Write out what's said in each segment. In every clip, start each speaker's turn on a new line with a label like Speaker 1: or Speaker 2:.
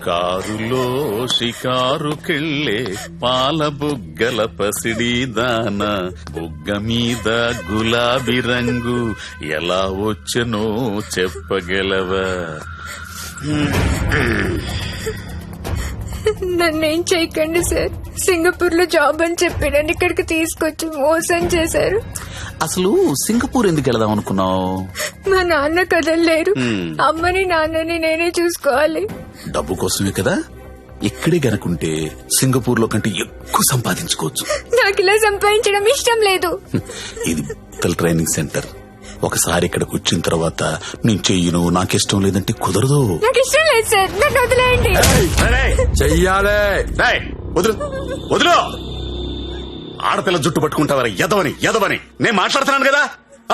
Speaker 1: కారులో షికారుకెళ్ళే పాల బుగ్గల పసిడి దాన బుగ్గ మీద గులాబీ రంగు ఎలా వచ్చనో చెప్పగలవా?
Speaker 2: నన్నేం చేయకండి సార్. సింగపూర్ లో జాబ్ అని చెప్పి నన్ను ఇక్కడికి తీసుకొచ్చి మోసం చేశారు.
Speaker 1: అసలు సింగపూర్ ఎందుకు వెళదాం అనుకున్నావు?
Speaker 2: మా నాన్న కదలలేరు. అమ్మని నాన్నని నేనే చూసుకోవాలి.
Speaker 1: డబ్బు కోసమే కదా. ఇక్కడే గనుకుంటే సింగపూర్ లో కంటే ఎక్కువ సంపాదించుకోవచ్చు.
Speaker 2: నాకు ఇలా సంపాదించడం ఇష్టం లేదు.
Speaker 1: ఇది ట్రైనింగ్ సెంటర్. ఒకసారి ఇక్కడికి వచ్చిన తర్వాత నేను చెయ్యను, నాకిష్టం లేదంటే కుదరదు.
Speaker 2: నాకు ఇష్టం లేదు సార్, నన్ను వదిలేయండి.
Speaker 3: చెయ్యాలే.
Speaker 1: వదులు వదులు. ఆడపిల్ల జుట్టు పట్టుకుంటావరా? ఎదవని నేను మాట్లాడుతున్నాను కదా.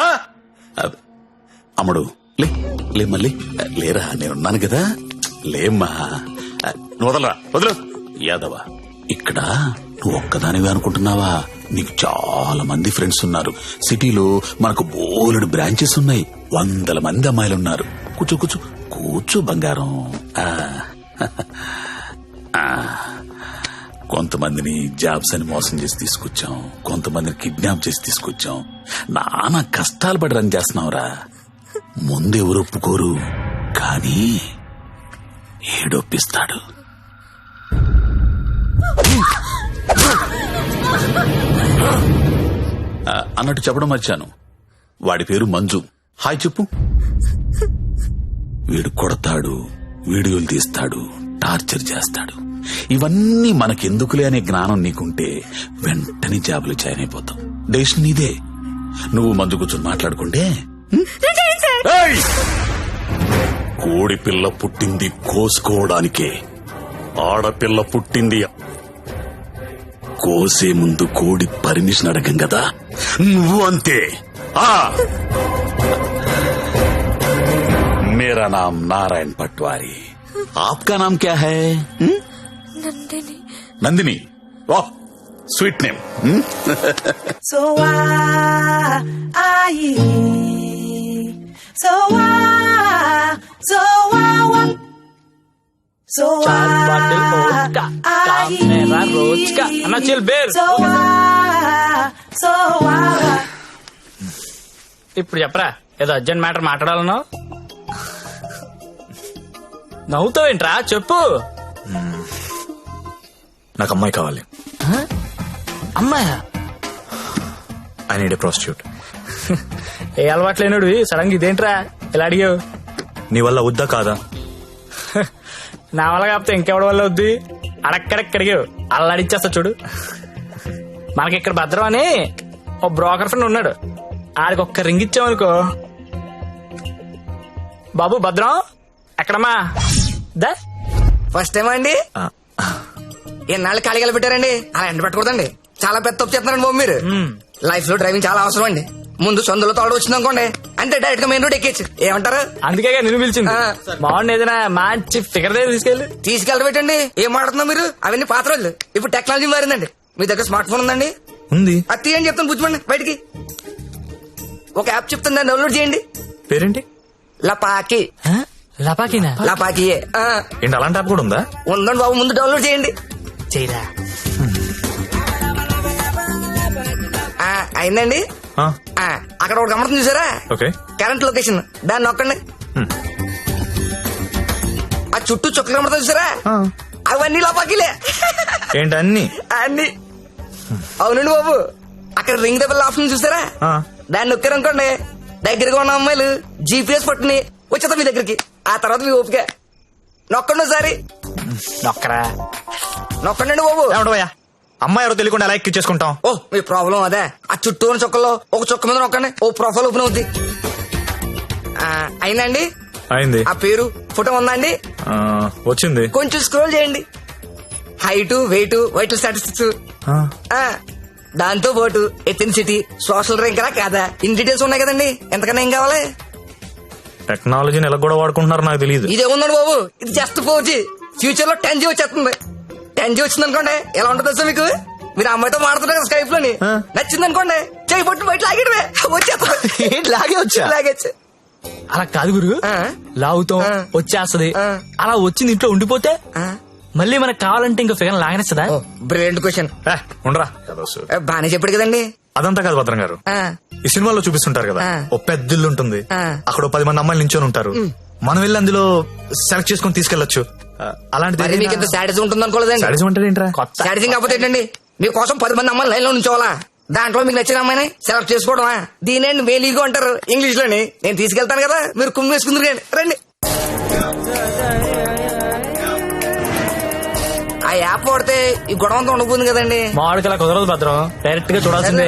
Speaker 1: అమ్ముడు లే మళ్ళీ లేరా, నేనున్నాను కదా. లేమ్మా, వదలరా, వదులు. యాదవ, ఇక్కడ నువ్వు ఒక్కదానివే అనుకుంటున్నావా? నీకు చాలా మంది ఫ్రెండ్స్ ఉన్నారు. సిటీలో మనకు బోలెడు బ్రాంచెస్ ఉన్నాయి. 100 మంది అమ్మాయిలున్నారు. కూర్చో కూర్చో కూర్చో బంగారం. కొంతమందిని జాబ్స్ అని మోసం చేసి తీసుకొచ్చాం, కొంతమందిని కిడ్నాప్ చేసి తీసుకొచ్చాం. నానా కష్టాలు పడి రన్ చేస్తున్నావురా. ముందెవరు ఒప్పుకోరు, కానీ ఏడొప్పిస్తాడు. అన్నట్టు చెప్పడం మర్చాను, వాడి పేరు మంజు. హాయ్ చెప్పు. వీడు కొడతాడు, వీడియోలు తీస్తాడు, టార్చర్ చేస్తాడు. ఇవన్నీ మనకెందుకులే అనే జ్ఞానం నీకుంటే వెంటనే జాబులు జాయిన్ అయిపోతాం. డెసిషన్ నీదే. నువ్వు మందు కూర్చొని మాట్లాడుకుంటే. కోడి పిల్ల పుట్టింది కోసుకోవడానికే, ఆడపిల్ల పుట్టింది కోసే ముందు కోడి పర్మిషన్ అడగం కదా. నువ్వు అంతే. मेरा नाम नारायण पटवारी, आपका नाम क्या है?
Speaker 2: నందిని.
Speaker 1: नंदिनी, वाह स्वीट नेम.
Speaker 4: So
Speaker 5: चार बाटल ओट का काम मेरा रोज का. अन्ना चिल बेर. ఇప్పుడు చెప్పరా, ఏదో అర్జెంట్ మ్యాటర్ మాట్లాడాలన్నావు. నవ్వుతావేంట్రా, చెప్పు.
Speaker 3: నాకు అమ్మాయి కావాలి.
Speaker 5: అమ్మాయా?
Speaker 3: I need a prostitute.
Speaker 5: ఏ అలవాటు లేనుడు సడన్ గా ఇదేంట్రా ఇలా అడిగావు?
Speaker 3: నీ వల్ల వద్దా కాదా?
Speaker 5: నా వల్ల కాకపోతే ఇంకెవడి వల్ల వద్దు. అడక్కడక్కడిగావు, అలా అడిచేస్తా చూడు. మనకి ఇక్కడ భద్రం అని ఓ బ్రోకర్ ఫ్రెండ్ ఉన్నాడు. ఆడికి ఒక్క రింగ్ ఇచ్చామనుకో. బాబు భద్రం ఎక్కడమ్మా? దా.
Speaker 6: ఫస్ట్ టైం అండి. ఎన్నాళ్ళు ఖాళీగా పెట్టారండి? అలా ఎండ పెట్టకూడదండి. చాలా పెద్ద తప్పు చెప్తున్నారండి బాబు మీరు. లైఫ్ లో డ్రైవింగ్ చాలా అవసరం అండి. ముందు సొందులో తోడు వచ్చింది అనుకోండి, అంటే డైరెక్ట్ గా మెయిన్ రోడ్ ఎక్కేచ్చు. ఏమంటారు?
Speaker 5: అందుకే నిన్ను పిలిచింది. బాగుంది, ఏదైనా మంచి ఫిగర్ దగ్గర
Speaker 6: తీసుకెళ్ళబెట్టండి. ఏం మాడుతున్నావు మీరు? అవన్నీ పాత రోజులు. ఇప్పుడు టెక్నాలజీ మారిందండి. మీ దగ్గర స్మార్ట్ ఫోన్ ఉందండి?
Speaker 3: ఉంది.
Speaker 6: అది తీయండి చెప్తాను, బుజ్జిమండి బయటికి. ఒక యాప్ చెప్తాను, దాన్ని డౌన్లోడ్ చేయండి.
Speaker 3: పేరేంటి?
Speaker 6: లపాకి.
Speaker 5: లపాకినా?
Speaker 6: లపాకియే.
Speaker 3: ఏంటి అలాంటి యాప్ కూడా ఉందా?
Speaker 6: ఉందండి బాబు, ముందు డౌన్లోడ్ చేయండి.
Speaker 5: చేయరా.
Speaker 6: అయిందండి. అక్కడ ఒక గమనం చూసారా? కరెంట్ లొకేషన్, దాన్ని నొక్కండి. ఆ చుట్టూ చుక్కలు కమడతా చూసారా? అవన్నీ లపాకిలే.
Speaker 3: ఏంటి అన్ని?
Speaker 6: అన్ని. అవునండి బాబు, అక్కడ రింగ్ దెబ్బల ఆప్షన్ చూసారా? దాన్ని నొక్కారనుకోండి, దగ్గరగా ఉన్న అమ్మాయిలు జీపీఎస్ పట్టుని వచ్చేద్దాం మీ దగ్గరికి. ఆ తర్వాత మీ ఓపిక. నొక్కండి ఒకసారి.
Speaker 5: నొక్కరా.
Speaker 6: నొక్కండి బాబు.
Speaker 3: అమ్మాయి ఎవరో తెలియకుండా ఎలా ఎక్కించేసుకుంటాం?
Speaker 6: ఓ మీ ప్రాబ్లం అదే. ఆ చుట్టూ ఉన్న చుక్కల్లో ఒక చుక్క మీద నొక్కండి, ఓ ప్రొఫైల్ ఓపెన్ అవుద్ది. అయిందండి?
Speaker 3: అయింది.
Speaker 6: ఆ పేరు ఫోటో ఉందా అండి?
Speaker 3: వచ్చింది.
Speaker 6: కొంచెం స్క్రోల్ చేయండి. హైట్, వెయిట్, వైటల్ స్టాటిస్టిక్స్, దాంతో పాటు ఎథెన్సిటీ, సోషల్ ర్యాంక్ రా కాదా, ఇన్ డీటెయిల్స్ ఉన్నాయి కదండి. ఎంతకన్నా ఏం కావాలి?
Speaker 3: టెక్నాలజీని ఎలా కూడా వాడుకుంటున్నారో నాకు తెలియదు.
Speaker 6: ఇదే ఉందండి బాబు, ఇది జస్ట్ 4G. ఫ్యూచర్ లో 10G వచ్చేస్తుంది. 10G వచ్చింది అనుకోండి, ఎలా ఉంటుంది సార్ మీకు? మీరు అమ్మాయితో మాడుతున్నారు కదా స్కైప్ లోని, నచ్చింది అనుకోండి, చేయి పట్టు బయట లాగేటమే వచ్చేస్తుంది.
Speaker 3: లాగే వచ్చా?
Speaker 6: లాగేచ్చు.
Speaker 5: అలా కాదు గురు,
Speaker 6: ఆ.
Speaker 5: లాగుతాం
Speaker 6: ఆ.
Speaker 5: వచ్చేస్తది,
Speaker 6: ఆ.
Speaker 5: అలా వచ్చింది ఇంట్లో ఉండిపోతే మళ్ళీ మనకు కావాలంటే ఇంకా ఫిగర్ లాగనేస్తుందా?
Speaker 6: Brilliant question.
Speaker 3: ఉండరా
Speaker 6: బానే చెప్పాడు కదండి.
Speaker 3: అదంతా కాదు భద్రం గారు,
Speaker 6: ఆ,
Speaker 3: ఈ సినిమాలో చూపిస్తుంటారు కదా,
Speaker 6: ఆ.
Speaker 3: ఓ పెద్ద ఇల్లు ఉంటుంది,
Speaker 6: ఆ.
Speaker 3: అక్కడ ఓ 10 మంది అమ్మాయిలు నించొని ఉంటారు, మనం వెళ్ళి అందులో సెలెక్ట్ చేసుకుని తీసుకెళ్లొచ్చు.
Speaker 6: మరి మీకు ఇంత సాడిజం ఉంటుంది అనుకోలేదండి.
Speaker 3: సాడిజం అంటే ఏంట్రా?
Speaker 5: కొత్త
Speaker 6: సాడిజం కాకపోతే ఏంటండి, మీకోసం 10 మంది అమ్మాయిలు లైన్ లో ఉంచోవాలా, దాంట్లో మీకు నచ్చిన అమ్మాయిని సెలెక్ట్ చేసుకోవడమా? దీనేండి మేలీగో అంటారు ఇంగ్లీష్ లోని. నేను తీసుకెళ్తాను కదా, మీరు కుమ్మి వేసుకుందరు కానీ రండి. ఆ యాప్ వాడితే ఈ గొడవ అంతా ఉండబోతుంది కదండి.
Speaker 5: మామిడికి అలా కుదరదు భద్రం, డైరెక్ట్ గా చూడాల్సిందే.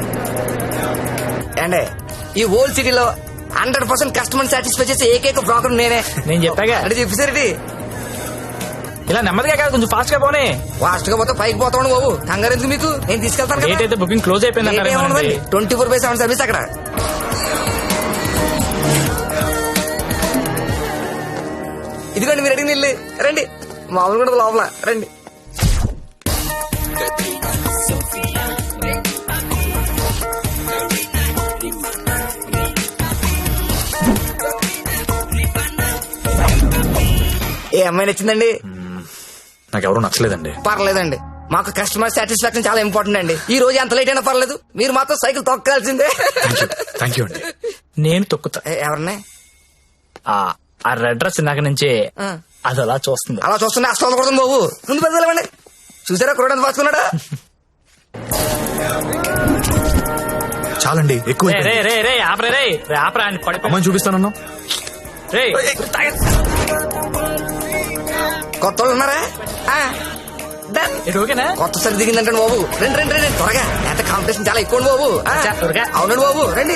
Speaker 6: అండి ఈ ఓల్డ్ సిటీలో 100% కస్టమర్ సాటిస్ఫై చేసే ఏకైక బ్రోకర్ నేనే.
Speaker 5: నేను చెప్పాగా,
Speaker 6: అంటే చెప్పేసరికి
Speaker 5: ఇలా నెమ్మదిగా కాదు, కొంచెం ఫాస్ట్ గా పోనీ.
Speaker 6: ఫాస్ట్ గా పోతే పైకి పోతాను బాబు, కంగారు ఎందుకు మీకు, నేను తీసుకెళ్తాను
Speaker 5: డేట్ అయితే బుకింగ్ క్లోజ్ అయిపోయింది అంటారు.
Speaker 6: 24/7 సర్వీస్ అక్కడ. ఇదిగోండి మీరు అడిగిన ఇల్లు, రండి. మామూలు కూడా లోపల రండి. ఏ అమ్మాయి నచ్చిందండి?
Speaker 3: నాకు ఎవరు నచ్చలేదండి.
Speaker 6: పర్లేదండి, మాకు కస్టమర్ సాటిస్ఫాక్షన్ చాలా ఇంపార్టెంట్ అండి. ఈ రోజు ఎంత లేట్ అయినా పర్లేదు, మీరు మాత్రం సైకిల్ తొక్కాల్సిందే.
Speaker 3: థ్యాంక్ యూ అండి.
Speaker 5: నేను తొక్కుతా.
Speaker 6: ఎవరిని?
Speaker 5: ఆ రెడ్ డ్రెస్ ఇందాక నుంచి
Speaker 6: ఆ.
Speaker 5: అది అలా చూస్తుంది.
Speaker 6: అలా చూస్తున్నా అసలు కొడుతుంది బాబు, ముందు పెద్దలేమండి. చూసారా కురడానికి పాసుకున్నాడా?
Speaker 3: చాలండి, ఎక్కువ
Speaker 5: రే రే రే రే ఆపరే రే రే ఆపరా అని పడిపో.
Speaker 3: అమ్మని చూపిస్తానన్నా.
Speaker 5: రే
Speaker 6: కొత్త వాళ్ళు ఉన్నారా? ఆ, done.
Speaker 5: ఇది ఓకేనా?
Speaker 6: కొత్త సరి దిగిందంటే బాబు, రండి రండి రండి త్వరగా, ఎంత కాంపిటీషన్ చాలా ఎక్కువ బాబు. ఆ,
Speaker 5: అచ్చా, త్వరగా.
Speaker 6: అవునండి బాబు, రండి.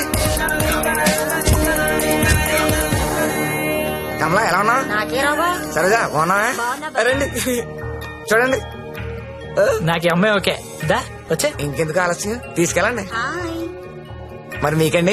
Speaker 6: కమలా ఎలా ఉన్నా? సరేగా బాగున్నా? రండి చూడండి.
Speaker 5: నాకు ఈ అమ్మాయి ఓకే. దా వచ్చే.
Speaker 6: ఇంకెందుకు ఆలస్యం, తీసుకెళ్ళండి. మరి మీకండి?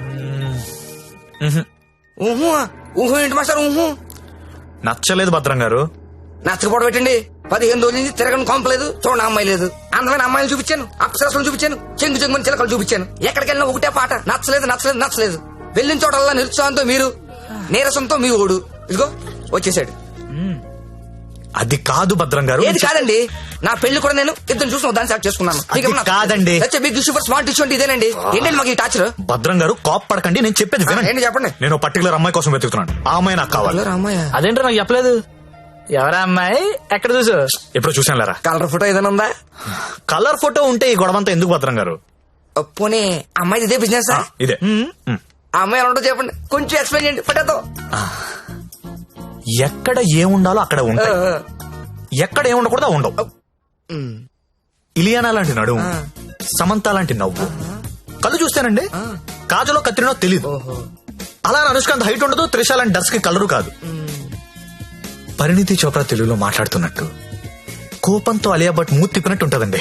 Speaker 6: ఊహు ఊహు ఏంటి మాస్టర్ ఊహు?
Speaker 3: నచ్చలేదు భద్రం గారు.
Speaker 6: నచ్చకపోవడం పెట్టండి. 15 రోజుల నుంచి తిరగని కొంపలేదు, చూడండి అమ్మాయి లేదు. అందమైన అమ్మాయిలు చూపించాను, అప్సరసలు చూపించాను, చెంగు చెంగుని చిలకలు చూపించాను. ఎక్కడికి వెళ్ళినా ఒకటే పాట, నచ్చలేదు నచ్చలేదు నచ్చలేదు. వెళ్ళిన చోటల్లా నిరుత్సాహంతో మీరు, నీరసంతో మీ ఓడు. ఇదిగో వచ్చేసాడు.
Speaker 3: అది కాదు భద్రం గారు.
Speaker 6: ఏది కాదండి, నా పెళ్లి కూడా నేను ఇద్దరు చూసిన దాన్ని సెలెక్ట్ చేసుకున్నాను.
Speaker 3: అది కాదండి.
Speaker 6: బిగ్ సూపర్ స్మార్ట్ ఇష్యూ అంటే ఇదేనండి. ఏంటండి మాకు ఈ టాచర్?
Speaker 3: భద్రం గారు కాప్ పడకండి, నేను చెప్పేది వినండి.
Speaker 6: ఏంటి చెప్పండి.
Speaker 3: నేను పర్టికులర్ అమ్మాయి కోసం వెతుకుతున్నాను, ఆ అమ్మాయి నాకు కావాలి.
Speaker 6: రామయ్య
Speaker 5: అదేంటో నాకు చెప్పలేదు. ఎవరా అమ్మాయి? ఎక్కడ చూసు?
Speaker 3: ఎప్పుడు చూసాను లేరా.
Speaker 6: కలర్ ఫోటో ఏదైనా ఉందా?
Speaker 3: కలర్ ఫోటో ఉంటే ఈ గొడవంతా ఎందుకు భద్రం గారు?
Speaker 6: పోనీ అమ్మాయి ఇదే బిజినెస్?
Speaker 3: ఇదే.
Speaker 6: ఆ అమ్మాయి ఎలా ఉంటుందో చెప్పండి, కొంచెం ఎక్స్ప్లెయిన్ చేయండి ఫోటోతో.
Speaker 3: ఎక్కడ ఏముండాలో అక్కడ ఉంటాయి, ఎక్కడ ఏముండకూడదు ఉండవు. ఇలియానా లాంటి నడుము, సమంత లాంటి నవ్వు, కళ్ళు చూస్తానండి కాజలో కత్తిరినో తెలీదు. అలా అనుష్కాంత్ హైట్ ఉండదు, త్రిష లాంటి డర్స్ కి కలరు కాదు. పరిణితి చోప్రా తెలుగులో మాట్లాడుతున్నట్టు, కోపంతో అలియా భట్ మూతి తిప్పినట్టు ఉంటదండి.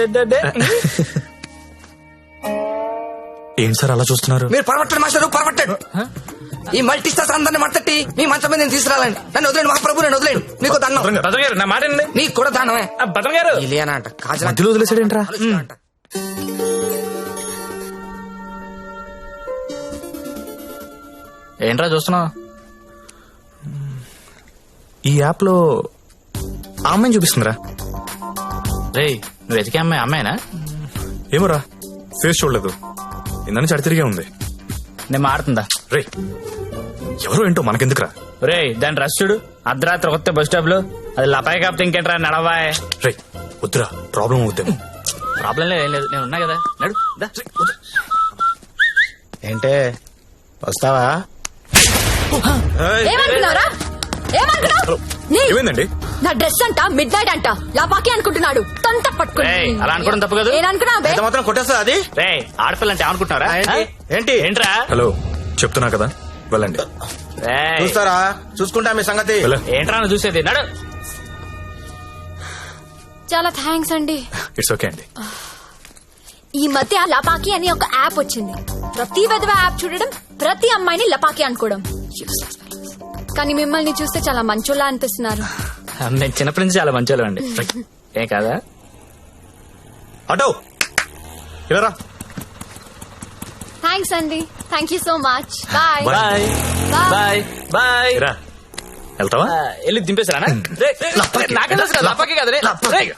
Speaker 3: ఏం సార్ అలా చూస్తున్నారు?
Speaker 6: మీరు పరమట్టండి మాస్టర్, పరమట్టండి. ఈ మల్టీ స్టార్స్ అందరిని మట్టట్టి మీ మంచం మీద నేను తీసుకురాలండి. నన్ను వదిలేండి మహాప్రభు, నేను వదిలేండి. మీకు దండం.
Speaker 5: భద్రం గారు నా మాట వినండి.
Speaker 6: నీకు కూడా దండమే.
Speaker 5: భద్రం గారు
Speaker 6: ఇలియానా అంట, కాజల
Speaker 3: మధ్యలో వదిలేసాడేంట్రా?
Speaker 6: అంట.
Speaker 5: ఏంట్రా చూస్తున్నావు?
Speaker 3: ఈ యాప్ లో ఆ అమ్మాయిని చూపిస్తుందిరా.
Speaker 5: రే నువ్వు వెతికే అమ్మాయి అమ్మాయినా?
Speaker 3: ఏమోరా, ఫేస్ చూడలేదు, ఇందని చడి తిరిగే ఉంది.
Speaker 5: నేను మాడుతుందా?
Speaker 3: రే ఎవరో ఏంటో మనకెందుకురా.
Speaker 5: రే దాని రష్ చూడు, అర్ధరాత్రి కొత్త బస్ స్టాప్ లో. అది లపాయి కాపుతే ఇంకేంట్రా, నడవాయ్.
Speaker 3: రే వద్దురా, ప్రాబ్లం అవుద్దేమో.
Speaker 5: ప్రాబ్లం లేదు, ఏం లేదు, నేను ఉన్నా కదా, నడు దా.
Speaker 7: ఏంటే వస్తావా?
Speaker 2: ఏమనుకున్నారా? ఏమనుకున్నావు? నీ-
Speaker 3: ఏమైందండి?
Speaker 2: నా డ్రెస్ అంట మిడ్ నైట్ అంట లాపాకి అనుకుంటున్నాడు. తొంత పట్టుకుని
Speaker 5: ఏయ్, అలా అనుకోవడం తప్పు కదా.
Speaker 2: నేననుకున్నా
Speaker 7: ఎంత మాత్రం కొట్టేస్తా అది?
Speaker 5: రే ఆడపిల్ల అంటే అనుకుంటున్నారా?
Speaker 7: ఏంటి?
Speaker 5: ఏంట్రా?
Speaker 3: హలో చెప్తున్నా కదా, వెళ్ళండి.
Speaker 5: రేయ్,
Speaker 7: చూస్తారా, చూసుకుంటా మీ సంగతి.
Speaker 5: ఏంట్రా నువ్వు చూసేది? నడు.
Speaker 2: చాలా థ్యాంక్స్ అండి.
Speaker 3: ఇట్స్ ఓకే అండి.
Speaker 2: ఈ మధ్య లపాకి అని ఒక యాప్ వచ్చింది. ప్రతి విధవ యాప్ చూడడం, ప్రతి అమ్మాయిని లపాకి అనుకోవడం. Useless fellows. కానీ మిమ్మల్ని చూస్తే చాలా మంచోళ్ళ అనిపిస్తున్నారు.
Speaker 5: నేను చిన్నప్పటి నుంచి చాలా మంచి అండి. ఏం కాదా?
Speaker 3: అటో ఇలా రా.
Speaker 2: థ్యాంక్స్ అండి. Thank you so much. Bye.
Speaker 5: Bye bye bye.
Speaker 3: రా వెళ్తావా?
Speaker 5: వెళ్ళి దింపేశారా? నాకే లపాకి కదా రే. రేయ్.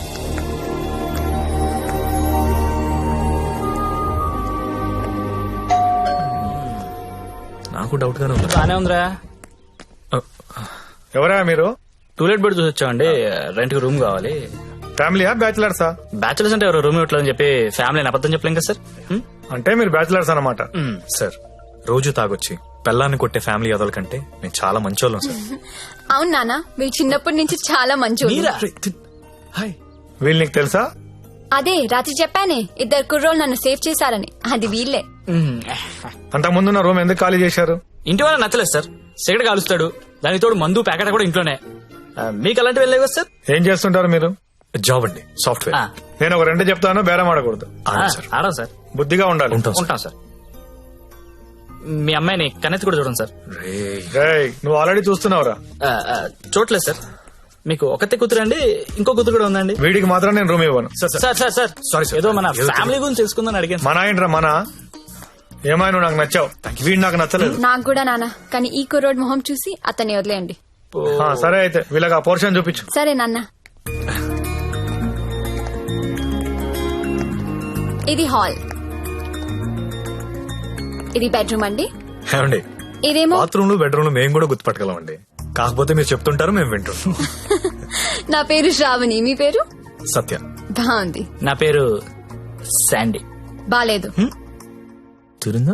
Speaker 3: నాకు డౌట్ గానే ఉంది.
Speaker 5: బానే ఉందిరా.
Speaker 8: ఎవరా మీరు?
Speaker 5: టూలెట్ బెడ్ చూసి వచ్చామండి. రెంట్ కి రూమ్ కావాలి.
Speaker 8: ఫ్యామిలీయా బ్యాచిలర్సా?
Speaker 5: బ్యాచులర్స్ అంటే ఎవరు రూమ్ ఇవ్వట్లేదని చెప్పి ఫ్యామిలీ అబద్ధం చెప్పలేం కదా సార్.
Speaker 8: అంటే మీరు బ్యాచిలర్స్ అన్నమాట.
Speaker 3: సార్ రోజు తాగొచ్చి పెళ్ళాన్ని కొట్టే ఫ్యామిలీ అదల కంటే నేను చాలా మంచోళ్ళం సార్.
Speaker 2: అవును నాన్న, మీరు చిన్నప్పటి నుంచి చాలా మంచి.
Speaker 3: హాయ్.
Speaker 8: వీళ్ళు నీకు తెలుసా?
Speaker 2: అదే రాత్రి చెప్పానే, 2 కుర్రోళ్ళు నన్ను సేవ్ చేశారని. అది వీళ్ళే.
Speaker 8: అంతకుముందున్న రూమ్ ఎందుకు ఖాళీ చేశారు?
Speaker 5: ఇంటి వాళ్ళ నచ్చలేదు సార్. సిగరెట్ కాలుస్తాడు, దానికి తోడు మందు ప్యాకెట్ కూడా ఇంట్లోనే. మీకు అలాంటివి వెళ్ళలేవు కదా సార్.
Speaker 8: ఏం చేస్తుంటారు మీరు?
Speaker 3: జాబ్ అండి, సాఫ్ట్వేర్.
Speaker 8: నేను ఒక 2 చెప్తాను, బేరం ఆడకూడదు.
Speaker 3: సార్
Speaker 5: ఆడం సార్.
Speaker 8: బుద్ధిగా ఉండాలి.
Speaker 5: ఉంటాం సార్. మీ అమ్మాయిని కన్నెత్తి కూడా చూడండి సార్.
Speaker 8: రేయ్, నువ్వు ఆల్రెడీ చూస్తున్నావురా.
Speaker 5: చూడలేదు సార్. మీకు ఒకతే కూతురు అండి, ఇంకో కూతురు కూడా ఉందండి.
Speaker 8: వీడికి మాత్రం నేను రూమ్ ఇవ్వను.
Speaker 5: Sir sir sir
Speaker 3: Sorry, sir.
Speaker 5: ఏదో మన ఫ్యామిలీ గురించి తెలుసుకుందని అడిగాను.
Speaker 8: మన ఏంట్రా మన? ఏమైనా నువ్వు నాకు నచ్చావు, వీడు నాకు నచ్చలేదు.
Speaker 2: నాకు కూడా నాన్న, కానీ ఈ కుర్రోడ్ మొహం చూసి అతన్ని వదిలేయండి.
Speaker 8: సరే అయితే వీళ్ళకి ఆ పోర్షన్ చూపించు.
Speaker 2: సరే నాన్న. ఇది హాల్, ఇది బెడ్రూమ్ అండి.
Speaker 3: ఏమండి,
Speaker 2: ఇదేమో
Speaker 3: బాత్రూమ్ లో బెడ్రూమ్ లో మేము కూడా గుర్తుపట్టగలం అండి. కాకపోతే మీరు చెప్తుంటారు, మేము వింటుంటాం.
Speaker 2: నా పేరు శ్రావణి, మీ పేరు?
Speaker 3: సత్య.
Speaker 2: బాగుంది.
Speaker 5: నా పేరు శాండీ.
Speaker 2: బాలేదు.
Speaker 3: తిరుందా?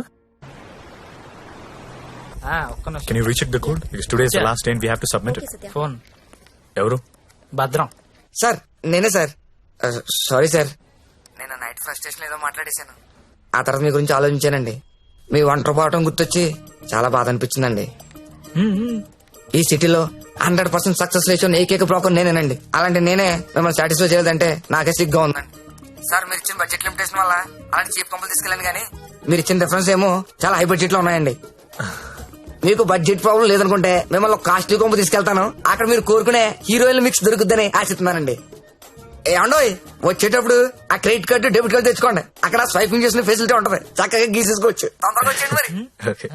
Speaker 5: ఒక్క నిమిషం.
Speaker 3: Can you recheck the code? Today is the last day we have to submit it.
Speaker 5: Phone.
Speaker 3: ఎవరు?
Speaker 5: భద్రం.
Speaker 6: సార్ నేనే సార్. సారీ సార్, నేను నైట్ ఫ్రస్ట్రేషన్ ఏదో మాట్లాడేశాను. ఆ తర్వాత మీ గురించి ఆలోచించానండి. మీ ఒంటరి పోవటం గుర్తొచ్చి చాలా బాధ అనిపించిందండి. ఈ సిటీలో 100% సక్సెస్ రేషియో ఏకైక బ్రోకర్ నేనేనండి. అలాంటి నేనే మిమ్మల్ని సాటిస్ఫై చేయలేదంటే నాకే సిగ్గా ఉందండి. సార్ మీరు ఇచ్చిన బడ్జెట్ లిమిటేషన్ వల్ల అలాంటి చీప్ కంపెనీ తీసుకెళ్ళాను, కానీ మీరు ఇచ్చిన రిఫరెన్స్ ఏమో చాలా హై బడ్జెట్ లో ఉన్నాయండి. మీకు బడ్జెట్ ప్రాబ్లం లేదనుకుంటే మిమ్మల్ని కాస్ట్లీ కొంపు తీసుకెళ్తాను. అక్కడ మీరు కోరుకునే హీరోయిన్ మిక్స్ దొరుకుద్దని ఆశిస్తున్నానండి. ఏమండోయ్, వచ్చేటప్పుడు ఆ క్రెడిట్ కార్డు డెబిట్ కార్డు తెచ్చుకోండి. అక్కడ స్వైపింగ్ చేసిన ఫెసిలిటీ ఉంటది, చక్కగా గీసేసుకోవచ్చు. తొందరగా వచ్చేయండి మరి.
Speaker 3: ఓకే.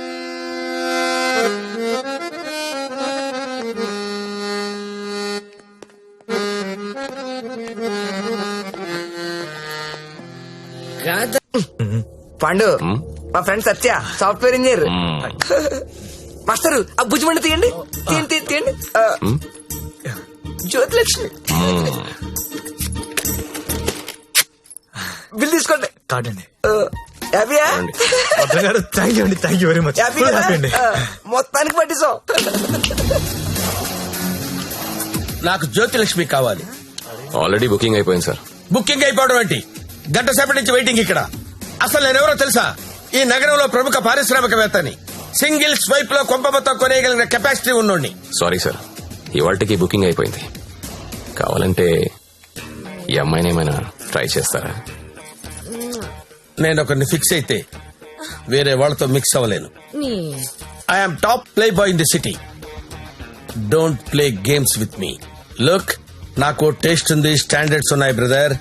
Speaker 6: పండు, మా friend Satya, software engineer. Master ఆ భుజమండి తీయండి, తీయండి తీయండి. జ్యోతిలక్ష్మి బిల్ తీసుకోండి.
Speaker 3: కార్డ్ అండి.
Speaker 6: హ్యాపీయా?
Speaker 3: భద్రం గారు, థ్యాంక్ యూ అండి, thank you very much.
Speaker 6: Happy
Speaker 3: అండి.
Speaker 6: మొత్తానికి పట్టిస్తాం.
Speaker 7: నాకు జ్యోతిలక్ష్మి కావాలి.
Speaker 9: ఆల్రెడీ బుకింగ్ అయిపోయింది సార్.
Speaker 7: బుకింగ్ అయిపోవడం ఏంటి? గంట సేపటి నుంచి వెయిటింగ్ ఇక్కడ. అసలు నేనెవరో తెలుసా? ఈ నగరంలో ప్రముఖ పారిశ్రామికవేత్తని. సింగిల్ స్వైప్ లో కొంప మొత్తం కొనేయగలిగిన కెపాసిటీ ఉన్నోడిని.
Speaker 9: సారీ సార్, ఇవాళకి బుకింగ్ అయిపోయింది. కావాలంటే ఈ అమ్మాయిని ఏమైనా ట్రై చేస్తారా?
Speaker 7: నేను ఒకరిని ఫిక్స్ అయితే వేరే వాళ్ళతో మిక్స్ అవ్వలేను. I'm top play boy in the city. Don't play games with me. Look, నాకు టేస్ట్ ఉంది, స్టాండర్డ్స్ ఉన్నాయి brother.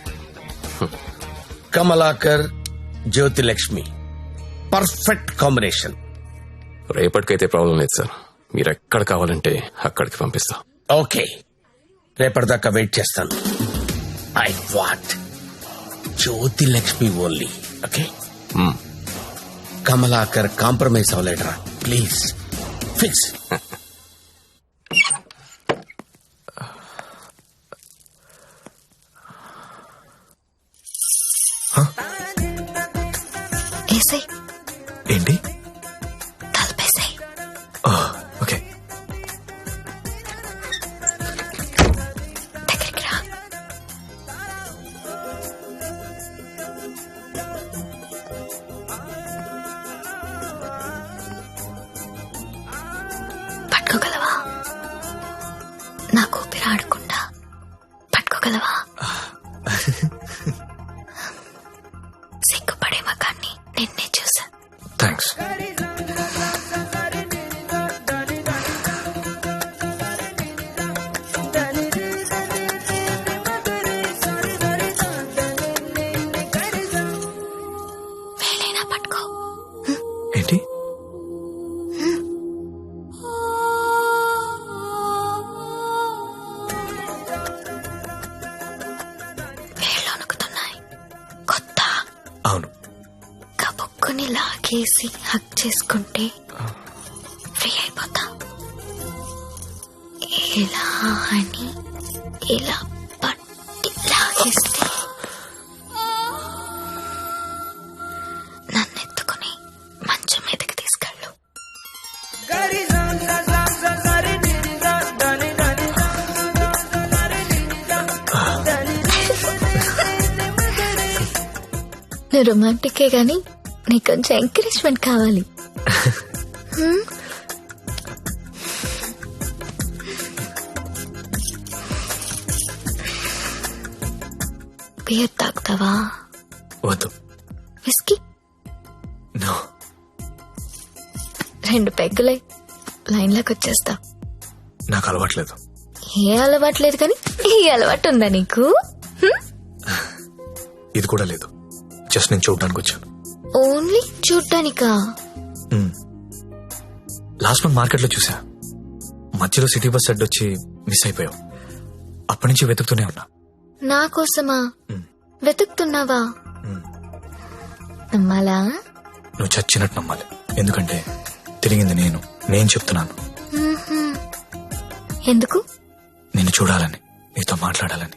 Speaker 7: Kamalakar, Jyothilakshmi, perfect combination.
Speaker 9: రేపటికైతే ప్రాబ్లం లేదు సార్. మీరు ఎక్కడ కావాలంటే అక్కడికి పంపిస్తా.
Speaker 7: ఓకే, రేపటిదాకా వెయిట్ చేస్తాను. I want Jyothilakshmi only. Okay, Kamalakar compromise అవ్వలేడరా ప్లీజ్. ఫిక్స్.
Speaker 3: ఏంటి?
Speaker 2: తలపేసాయి.
Speaker 3: ఓకే.
Speaker 2: దగ్గరికి రా. పట్టుకోగలవా? నాకు ఊపిరి ఆడకుండా పట్టుకోగలవా? సిగ్గుపడే మగాన్ని నిన్నే చూసా.
Speaker 3: థ్యాంక్స్.
Speaker 2: చేసి హక్ చేసుకుంటే ఫ్రీ అయిపోతా. ఇలా అని ఇలా పట్టి లాగేస్తే నన్ను ఎత్తుకుని మంచం మీదకి తీసుకెళ్ళు. నువ్వు రొమాంటికే గాని నీకు కొంచెం ఎంకరేజ్మెంట్ కావాలి. బియర్ తాగుతావా?
Speaker 3: వద్దు.
Speaker 2: విస్కీ?
Speaker 3: నో.
Speaker 2: 2 పెగ్గులై లైన్లోకి వచ్చేస్తా.
Speaker 3: నాకు అలవాట్లేదు.
Speaker 2: ఏ అలవాట్లేదు కానీ ఈ అలవాటు ఉందా నీకు?
Speaker 3: ఇది కూడా లేదు. జస్ట్ నేను చూడడానికి వచ్చాను.
Speaker 2: ఓన్లీ చూడ్డానికా?
Speaker 3: లాస్ట్ మంత్ మార్కెట్ లో చూసా. మధ్యలో సిటీ బస్ అడ్డు వచ్చి మిస్ అయిపోయావు. అప్పటి నుంచి వెతుకుతూనే ఉన్నా.
Speaker 2: నా కోసమా వెతుకుతున్నావా? నమ్మాలా?
Speaker 3: నువ్వు చచ్చినట్టు నమ్మాలి. ఎందుకంటే తిరిగింది నేను చెప్తున్నాను.
Speaker 2: ఎందుకు?
Speaker 3: నిన్ను చూడాలని, నీతో మాట్లాడాలని.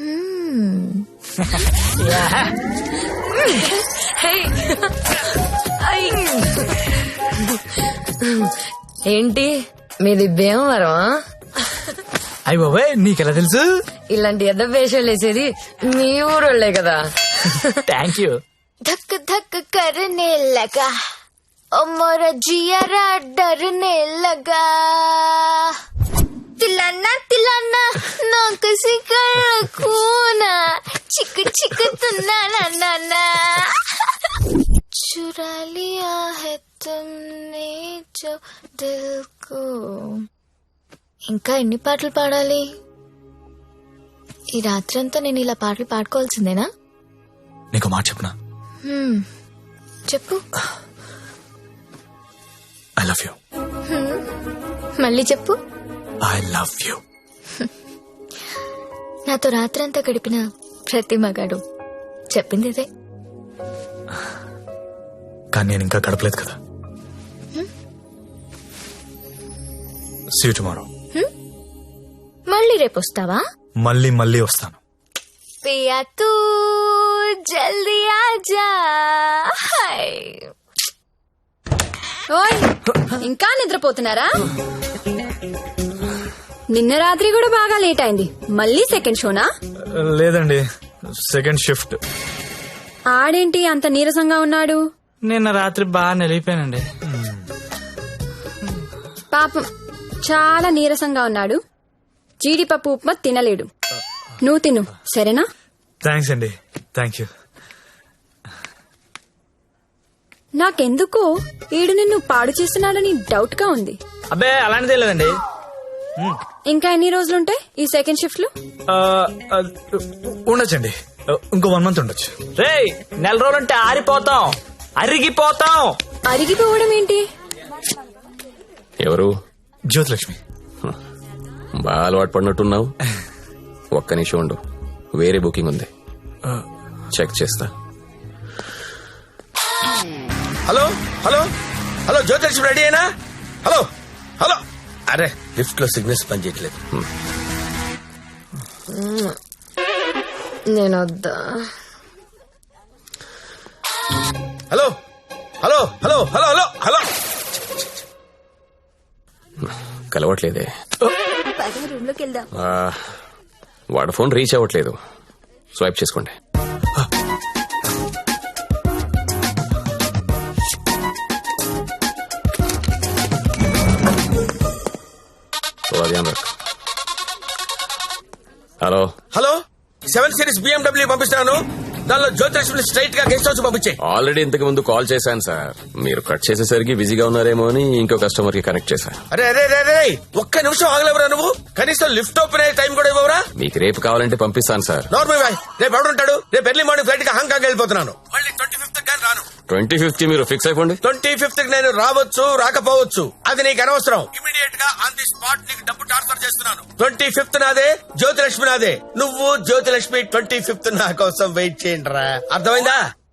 Speaker 10: ఏంటి మీది భీమవరం?
Speaker 5: అయ్యి బాబాయ్ నీకెలా తెలుసు?
Speaker 10: ఇలాంటి ఎద్ద వేషాలు వేసేది మీ ఊరోళ్లే కదా.
Speaker 5: Thank you.
Speaker 2: धक धक करने लगा ओ मोरा जियारा डरने लगा तिलाना तिलाना ना किसी कूना चिक चिक तुना ना ना ना चुरा लिया है तुमने जो दिल को. ఇంకా ఎన్ని పాటలు పాడాలి? ఈ రాత్రంతా నేను ఇలా పాటలు పాడుకోవాల్సిందేనా?
Speaker 3: నీకు మాట చెప్పనా?
Speaker 2: చెప్పు.
Speaker 3: I love you.
Speaker 2: మళ్ళీ చెప్పు.
Speaker 3: I love you.
Speaker 2: నాతో రాత్రంతా గడిపిన ప్రతి మగాడు చెప్పింది ఇదే.
Speaker 3: కానీ నేను ఇంకా గడపలేదు కదా. See you tomorrow.
Speaker 2: మళ్ళీ రేపు వస్తావా?
Speaker 3: మళ్ళీ వస్తాను.
Speaker 2: పియా తూ జల్దీ ఆజా. ఓయ్ ఇంకా నిద్రపోతున్నారా? నిన్న రాత్రి కూడా బాగా లేట్ అయింది. మళ్ళీ సెకండ్ షోనా?
Speaker 3: లేదండి, సెకండ్ షిఫ్ట్.
Speaker 2: ఆడేంటి అంత నీరసంగా ఉన్నాడు?
Speaker 5: నిన్న రాత్రి బాగా నలిగిపోయానండి.
Speaker 2: పాపం చాలా నీరసంగా ఉన్నాడు. జీడిపప్పు ఉప్మా తినలేడు. నువ్వు తిను సరేనా?
Speaker 3: థ్యాంక్స్ అండి. Thank you.
Speaker 2: నాకెందుకో ఈడు నిన్ను పాడు చేస్తున్నాడని డౌట్ గా ఉంది.
Speaker 5: అబ్బే అలాంటిదే లేదండి.
Speaker 2: ఇంకా ఎన్ని రోజులుంటాయి ఈ సెకండ్ షిఫ్ట్ లో?
Speaker 3: ఉండొచ్చండి, ఇంకో 1 month ఉండొచ్చు.
Speaker 5: రేయ్ 4 రోజులుంటే ఆరిపోతాం, అరిగిపోతాం.
Speaker 2: అరిగిపోవడం ఏంటి?
Speaker 9: ఎవరు?
Speaker 3: జ్యోతిలక్ష్మి.
Speaker 9: బాగా అలవాటు పడినట్టున్నావు. ఒక్క నిమిషం ఉండు, వేరే బుకింగ్ ఉంది, చెక్ చేస్తా.
Speaker 7: Hello hello hello Jyothilakshmi ready అయినా? Hello hello. అరే లిఫ్ట్ లో సిగ్నల్స్ పనిచేయట్లేదు.
Speaker 10: నేను వద్దా?
Speaker 7: Hello hello hello hello hello hello.
Speaker 9: కలవట్లేదే.
Speaker 2: రూమ్ లోకి వెళ్దాం.
Speaker 9: వాడు ఫోన్ రీచ్ అవ్వట్లేదు. స్వైప్ చేసుకోండి. హలో
Speaker 7: హలో 7 Series BMW పంపిస్తాను. దానిలో జ్యోతిలక్ష్మి స్ట్రైట్ గా గెస్ట్ హౌస్ పంపించే.
Speaker 9: ఆల్రెడీ ఇంతకు ముందు కాల్ చేశాను సార్. మీరు కట్ చేసేసరికి బిజీగా ఉన్నారేమో అని ఇంకో కస్టమర్ కి కనెక్ట్ చేశాను.
Speaker 7: అరే అరే అరే ఒక్క నిమిషం ఆగలేవరా నువ్వు? కనీసం లిఫ్ట్ ఓపెన్ అయ్యే టైం కూడా ఇవ్వరా?
Speaker 9: మీకు రేపు కావాలంటే పంపిస్తాను సార్.
Speaker 7: నార్మల్ బాయ్, రేపు ఎవడుంటాడు? రేపు ఎర్లీ మార్నింగ్ ఫ్లైట్ గా హాంకాంగ్ వెళ్ళిపోతున్నాను. మళ్ళీ 25th కానీ రాను.
Speaker 9: 25th మీరు ఫిక్స్ అయిపోండి.
Speaker 7: 25th నేను రావచ్చు రాకపోవచ్చు, అది నీకు అనవసరం. ఇమీడియట్ గా ఆన్ ది స్పాట్ నీకు డబ్బు ట్రాన్స్ఫర్ చేస్తున్నాను. 25th నాదే, జ్యోతిలక్ష్మి నాదే. నువ్వు జ్యోతిలక్ష్మి 25th నా కోసం వెయిట్ చేయండి రా. అర్థమైందా?